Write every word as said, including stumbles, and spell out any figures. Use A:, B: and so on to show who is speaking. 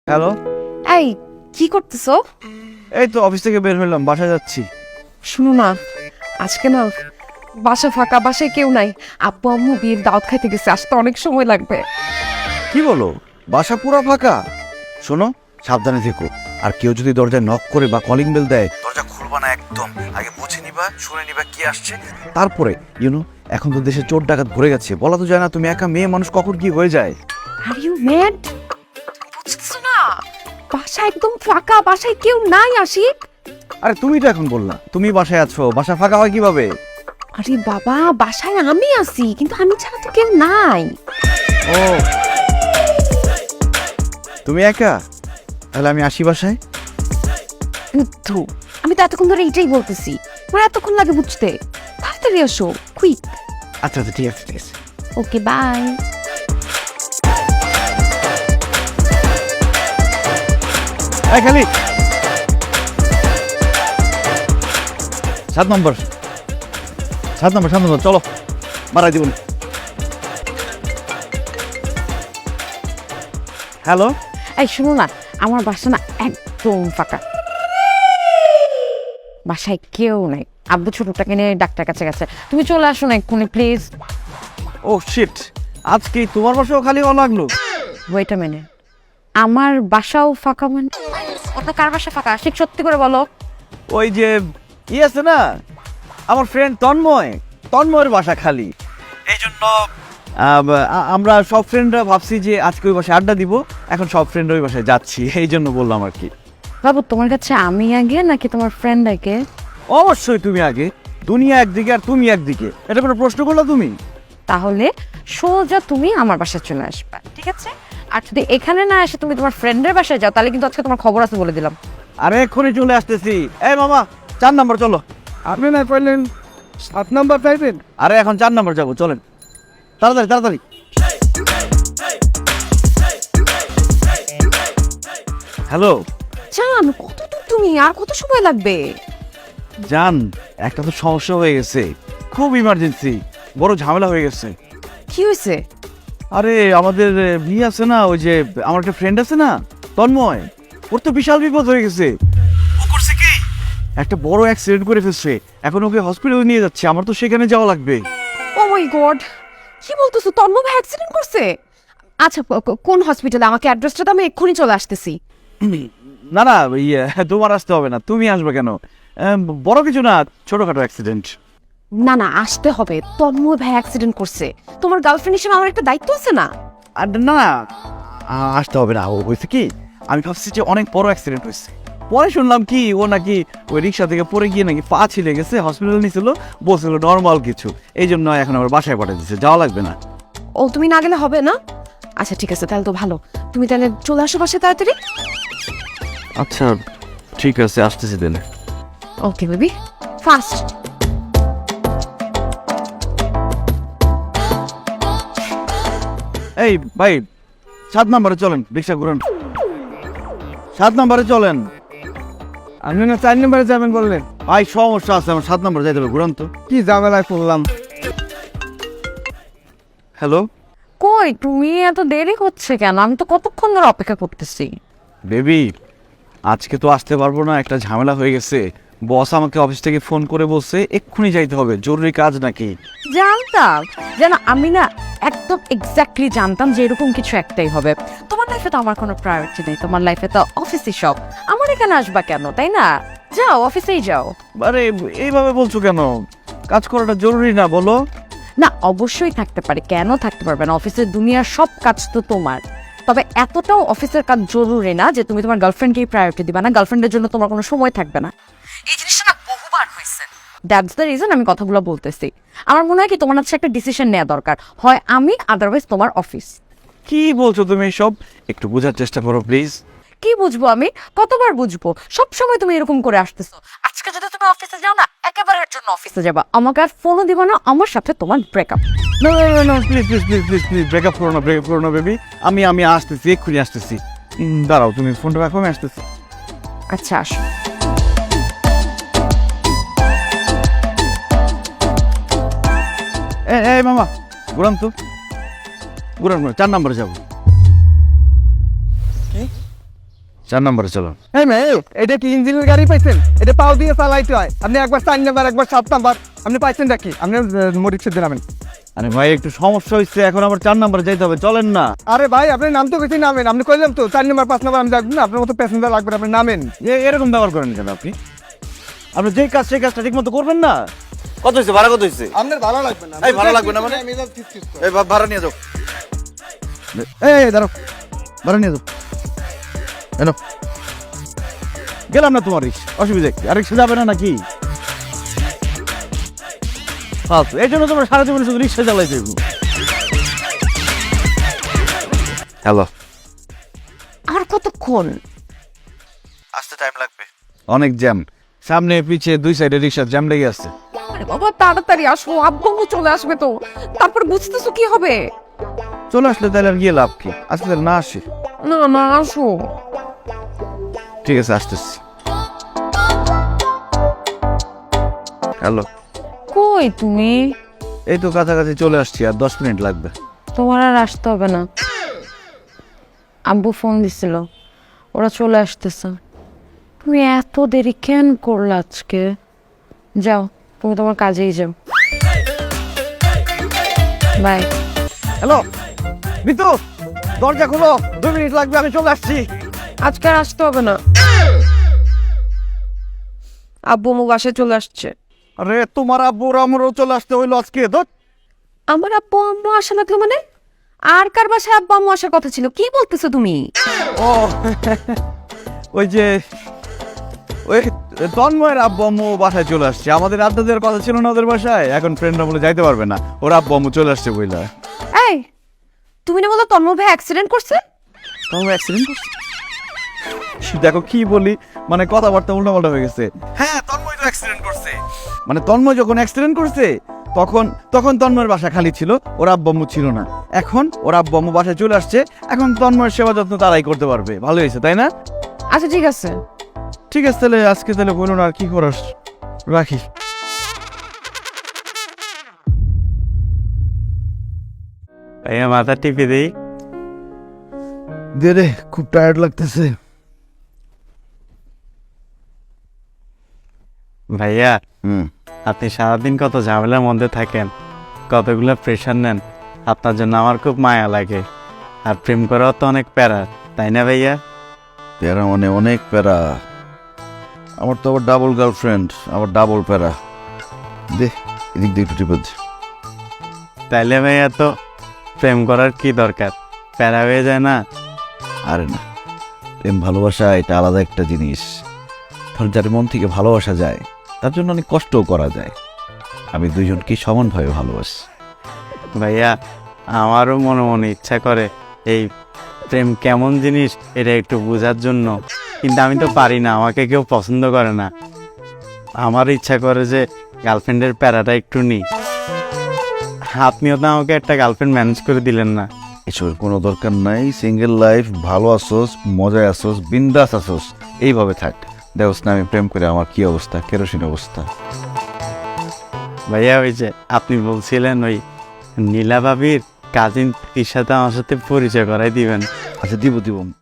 A: Hello,
B: এই কি করতেছো?
A: এই তো অফিস থেকে বের হলাম, বাসায় যাচ্ছি।
B: শুনো না, আজকে না বাসা ফাঁকা, বাসায় কেউ নাই। আব্বু আম্মু বিয়ের দাওয়াত খাইতে গেছে, আসতে অনেক সময় লাগবে।
A: কি বলো, বাসা পুরো ফাঁকা? শোনো, সাবধানে থেকো। আর কেউ যদি দরজায় নক করে বা কলিং বেল দেয়, দরজা খুলবা না একদম। আগে বুঝে নিবা, শুনে নিবা কি আসছে, তারপরে ইউনো এখন তো দেশে চোর ডাকাত ভরে গেছে, বলা তো যায় না তুমি একা মেয়ে মানুষ কখন কি হয়ে যায়।
B: Are you mad? বুঝতেছো না, বাসা একদম ফাঁকা, বাসায় কেউ নাই। আশিক,
A: আরে তুমি তো এখন বললা তুমি বাসায় আছো, বাসা ফাঁকা হয় কিভাবে?
B: আরে বাবা, বাসায় আমি আছি, কিন্তু আমি ছাড়া তো কেউ নাই।
A: ও, তুমি একা? তাহলে আমি আসি বাসায়।
B: বুদ্ধ, আমি তো এতক্ষণ ধরে এটাই বলতেছি, আমার এতক্ষণ লাগে বুঝতে। তাড়াতাড়ি আসো, কুইক।
A: আচ্ছা আচ্ছা, ঠিক আছে ঠিক আছে।
B: Okay, bye.
A: এই খালি সাত নম্বর সাত নম্বর সাত নম্বর চলো, মারাই দিব। হ্যালো,
B: এই শোনো না, আমার বাসা না একদম ফাঁকা, বাসায় কেউ নাই। আব্বু ছোটটাকে নিয়ে ডাক্তার কাছে গেছে, তুমি চলে আসো না এক্ষুনি প্লিজ।
A: ও শিট, আজকে তোমার বাসাও খালি হওয়া লাগলো।
B: ওয়েট আ মিনিট, আমার বাসাও ফাঁকা মানে? ওটা কার বাসা ফাঁকা? ঠিক সত্যি করে বলো।
A: ওই যে ই আছে না, আমার ফ্রেন্ড তন্ময়, তন্ময়ের বাসা খালি। এই জন্য আমরা সব ফ্রেন্ডরা ভাবছি যে আজকে ওই বাসায় আড্ডা দিব, এখন সব ফ্রেন্ড ওই বাসায় যাচ্ছি, এই জন্য বললাম আর কি।
B: বাবু, তোমার কাছে আমি আগে নাকি তোমার ফ্রেন্ড আগে?
A: অবশ্যই তুমি আগে, দুনিয়া একদিকে আর তুমি একদিকে, এটা কোনো প্রশ্ন করলা তুমি?
B: তাহলে সোজা তুমি আমার বাসায় চলে আসবা, ঠিক আছে? আর যদি এখানে না এসে তুমি তোমার ফ্রেন্ডের বাসায় যাও, তাহলে কিন্তু আজকে তোমার খবর আছে বলে দিলাম।
A: আরে এক্ষুনি চলে আসতেছি। এই মামা, চার নাম্বার চলো।
C: আপনি না পারলেন সাত নাম্বার পাইবেন?
A: আরে এখন চার নাম্বার যাবো, চলেন তাড়াতাড়ি তাড়াতাড়ি। হ্যালো
B: জান, কত দূর তুমি? আর কত সময় লাগবে?
A: জান, একটা তো সমস্যা হয়ে গেছে, খুব ইমার্জেন্সি, বড় ঝামেলা হয়ে গেছে।
B: কি হয়েছে?
A: আরে আমাদের বিয়ে আছে না, ওই যে আমার একটা ফ্রেন্ড আছে না তন্ময়, ওর তো বিশাল বিপদ হয়ে গেছে। ও করছে কি, একটা বড় অ্যাক্সিডেন্ট করে ফেলছে, এখন ওকে হসপিটালে নিয়ে যাচ্ছে, আমার তো সেখানে যাওয়া লাগবে।
B: ও মাই গড, কি বলতেছো? তন্ময় ভাই অ্যাক্সিডেন্ট করছে? আচ্ছা, ক- ক- কোন হসপিটালে? আমাকে অ্যাড্রেসটা দাও, আমি এক্ষুনি চলে আসতেছি।
A: না না, ইয়ে তোমার আসতে হবে না, তুমি আসবে কেন? আহ, বড় কিছু না, ছোটখাটো অ্যাক্সিডেন্ট।
B: না না, আসতে হবে। তন্ময় ভাই অ্যাক্সিডেন্ট করছে, তোমার গার্লফ্রেন্ড হিসেবে আমার একটা দায়িত্ব আছে না?
A: আর না না, আ- আসতে হবে না। ও হয়েছে কি, আমি ভাবছি যে অনেক বড় অ্যাক্সিডেন্ট হয়েছে, পরে শুনলাম কি ও নাকি ওই রিক্সা থেকে পড়ে গিয়ে নাকি পা ছিলে গেছে, হসপিটাল নিয়েছিল, বলছিল নর্মাল কিছু, এই জন্য এখন আবার বাসায় পাঠিয়ে দিচ্ছে, যাওয়া লাগবে না।
B: ও, তুমি না গেলে হবে না? আচ্ছা ঠিক আছে, তাহলে তো ভালো। তুমি তাহলে চলে আসো বাসায় তাড়াতাড়ি।
A: আচ্ছা ঠিক আছে, আসতেছি দেন।
B: Okay baby, fast.
A: এই ভাই, সাত নম্বরে চলেন, রিক্সা ঘুরেন, সাত নম্বরে চলেন।
C: আপনি না চার নাম্বারে যাবেন বললেন?
A: ভাই সমস্যা আছে, আমার সাত নম্বরে যাইতে হবে, ঘুরান তো।
C: কি ঝামেলায় পড়লাম।
A: হ্যালো
B: কই তুমি? এত দেরি হচ্ছে কেন? আমি তো কতক্ষণ ধরে অপেক্ষা করতেছি।
A: বেবি, আজকে তো আসতে পারবো না, একটা ঝামেলা হয়ে গেছে। বস আমাকে অফিস থেকে ফোন করে বলছে এক্ষুনি যাইতে হবে, জরুরি কাজ নাকি।
B: জানতাম, যেন আমি না একদম এক্স্যাক্টলি জানতাম যে এরকম কিছু একটাই হবে। তোমার লাইফে তো আমার কোনো প্রায়োরিটি নেই, তোমার লাইফে তো অফিসই সব। আমার এখানে আসবা কেন, তাই না? যাও, অফিসেই যাও।
A: আরে এইভাবে বলছো কেন? কাজ করাটা জরুরি না বলো?
B: না, অবশ্যই থাকতে পারে, কেন থাকতে পারবে না? অফিসের দুনিয়ার সব কাজ তো তোমার। তবে এতটাও অফিসের কাজ জরুরি না যে তুমি তোমার গার্লফ্রেন্ডকেই প্রায়োরিটি দিবা না, গার্লফ্রেন্ডের জন্য তোমার কোনো সময় থাকবে না। এই জিনিসটা না বহুবার হয়েছে, দ্যাটস দ্য রিজন আমি কথাগুলো বলতেছি। আমার মনে হয় কি তোমার হচ্ছে একটা ডিসিশন নেওয়া দরকার, হয় আমি, আদারওয়াইজ তোমার অফিস।
A: কি বলছো তুমি সব? একটু বোঝার চেষ্টা করো প্লিজ।
B: কি বুঝবো আমি? কতবার বুঝবো? সব সময় তুমি এরকম করে আসতেছো। আজকে যদি তুমি অফিসে যাও না, একেবারের জন্য অফিসে যাবা, আমাকে আর ফোনও দিবা না, আমার সাথে তোমার ব্রেকআপ।
A: না না না, please please please please please breakup করো না, ব্রেকআপ করো না বেবি। আমি আমি আসতেছি, এক্ষুনি আসতেছি। উম, দাঁড়াও, তুমি ফোনটা রাখো, আমি আসতেছি।
B: আচ্ছা আসো।
A: এ এই মামা, ঘুরান তো, ঘুরান ঘুরান, চার নম্বরে যাবো। চার নম্বরে চলো।
C: এই মেয়ে, এটা কি ইঞ্জিনের গাড়ি পাইছেন? এটা পাও দিয়ে চালাইতে হয়। আপনি একবার চার নাম্বার, একবার সাত নাম্বার, আপনি পাইছেন নাকি? আপনি মরিক্সে নামেন।
A: আরে ভাই একটু সমস্যা হচ্ছে, এখন আবার চার নম্বরে যাইতে হবে, চলেন না।
C: আরে ভাই, আপনি নাম তো কিছু নামেন। আপনি কইলাম তো চার নাম্বার পাঁচ নাম্বার আমি যাবো না, আপনার মতো প্যাসেঞ্জার লাগবে না, আপনি নামেন।
A: এ- এরকম ব্যবহার করেন কেন আপনি? আপনি যেই কাজ সেই কাজটা ঠিক মতো করবেন না। কত হয়েছে ভাড়া, কত হয়েছে?
C: আপনার ভালো লাগবে না।
A: এই ভালো লাগবে না মানে? এই ভা- ভাড়া নিয়ে যাও। এই দাঁড়াও, ভাড়া নিয়ে যাও। এনো গেলাম না তোমার রিক্সা, অসুবিধা কি? আর রিক্সা যাবে না নাকি? ফালতু, এই জন্য তোমার সারা জীবনে শুধু রিক্সা চালাই দেবো। হ্যালো,
B: আর কতক্ষণ?
A: আসতে টাইম লাগবে, অনেক জ্যাম, সামনে পিছে দুই সাইডে রিক্সা জ্যাম লেগে আসছে।
B: আরে বাবা তাড়াতাড়ি আসো, আব্বু চলে আসবে তো, তারপর বুঝতেছো কি হবে।
A: চলে আসলে তাহলে আর গিয়ে লাভ কি? আসলে না আসে।
B: না না আসো।
A: ঠিক আছে, আসতেছি। হ্যালো,
B: কই তুমি?
A: এই তো কাছাকাছি চলে আসছি, আর দশ মিনিট লাগবে।
B: তোমার আর আসতে হবে না, আব্বু ফোন দিছিল, ওরা চলে আসতেছে। তুমি এত দেরি কেন করলে আজকে? যাও, তুমি তোমার কাজেই যাও। বাই।
A: হ্যালো মিতু, দরজা খুলো, দুই মিনিট লাগবে, আমি চলে আসছি।
B: আজকে আর আসতে হবে না, আব্বু মু বাসায় চলে আসছে।
A: আরে তোমার আব্বুর আমারও চলে আসতে হইলো আজকে। ধর,
B: আমার আব্বু আম্মু আসা লাগলো মানে? আর কার বাসায় আব্বু আম্মু আসার কথা ছিল? কি বলতেছো তুমি?
A: ও ওই যে ওই তন্ময়ের আব্বু আম্মু বাসায় চলে আসছে। আমাদের আড্ডা দেওয়ার কথা ছিল না ওদের বাসায়, এখন ফ্রেন্ডরা বলে যাইতে পারবে না, ওর আব্বু আম্মু চলে আসছে বইলা।
B: এই, তুমি না বলো তন্ময় ভাই অ্যাক্সিডেন্ট করছে?
A: তন্ময় অ্যাক্সিডেন্ট করছে? দেখো কি বলি, মানে কথাবার্তা উল্টাপাল্টা হয়ে গেছে। হ্যাঁ, তন্ময় তো অ্যাক্সিডেন্ট করছে। মানে তন্ময় যখন অ্যাক্সিডেন্ট করছে তখন তখন তন্ময়ের বাসা খালি ছিল, ওর আব্বু আম্মু ছিল না। এখন ওর আব্বু আম্মু বাসায় চলে আসছে, এখন তন্ময়ের সেবা যত্ন তারাই করতে পারবে। ভালো হয়েছে তাই না?
B: আচ্ছা ঠিক আছে।
A: ঠিক আছে, তাহলে আজকে তাহলে বলুন, আর কি করার, রাখি।
D: ভাইয়া মাথা টিপে দিই।
A: দে রে, খুব টায়ার্ড লাগতেছে।
D: ভাইয়া,
A: হুম,
D: আপনি সারাদিন কত ঝামেলার মধ্যে থাকেন, কতগুলো প্রেশার নেন, আপনার জন্য আমার খুব মায়া লাগে। আর প্রেম করাও তো অনেক প্যারা, তাই না ভাইয়া?
A: প্যারা মানে অনেক প্যারা। আমার তো আবার ডাবল গার্লফ্রেন্ড, আবার ডাবল প্যারা। দে এদিক দিয়ে একটু টিপে দে।
D: তাইলে ভাইয়া তো প্রেম করার কি দরকার, প্যারা হয়ে যায় না?
A: আরে না, প্রেম ভালোবাসা এটা আলাদা একটা জিনিস। ধর, যার মন থেকে ভালোবাসা যায় তার জন্য অনেক কষ্টও করা যায়। আমি দুইজনকে সমানভাবে ভালোবাসি।
D: ভাইয়া, আমারও মনে মনে ইচ্ছা করে এই প্রেম কেমন জিনিস এটা একটু বোঝার জন্য, কিন্তু আমি তো পারি না, আমাকে কেউ পছন্দ করে না। আমার ইচ্ছা করে যে গার্লফ্রেন্ডের প্যারাটা একটু নিই। আপনিও তো আমাকে একটা গার্লফ্রেন্ড ম্যানেজ করে দিলেন না।
A: এসবের কোনো দরকার নাই। সিঙ্গেল লাইফ, ভালো আসোস, মজায় আসোস, বিন্দাস আসোস, এইভাবে থাক। দেখোস না আমি প্রেম করে আমার কি অবস্থা, কেরোসিন অবস্থা।
D: ভাইয়া, ওই যে আপনি বলছিলেন ওই নীলা ভাবির কাজিন সাথে আমার সাথে পরিচয় করাই দিবেন।
A: আচ্ছা, দিব দিব